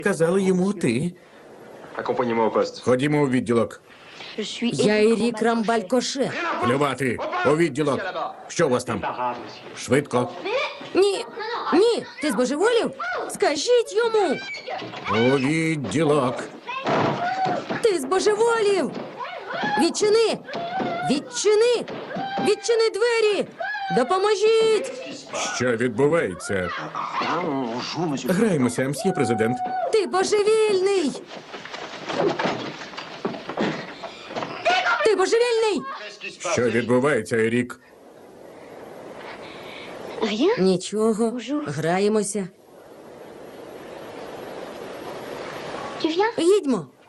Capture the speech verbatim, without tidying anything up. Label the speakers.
Speaker 1: Казали йому ти.
Speaker 2: Accompagnez-moi au poste.
Speaker 1: Ходімо у відділок.
Speaker 3: Я Ерік Рамбаль-Коше.
Speaker 1: Плювати. У відділок. Що у вас там? Швидко.
Speaker 3: Ні, ні, ти збожеволів? Скажіть йому.
Speaker 1: У відділок.
Speaker 3: Ти збожеволів. Відчини. Відчини. Відчини двері. Допоможіть.
Speaker 1: Що відбувається? Граємося, мсьє президент.
Speaker 3: Ти божевільний. Ти божевільний.
Speaker 1: Що відбувається, Ерік?
Speaker 3: Нічого. Граємося. Їдьмо.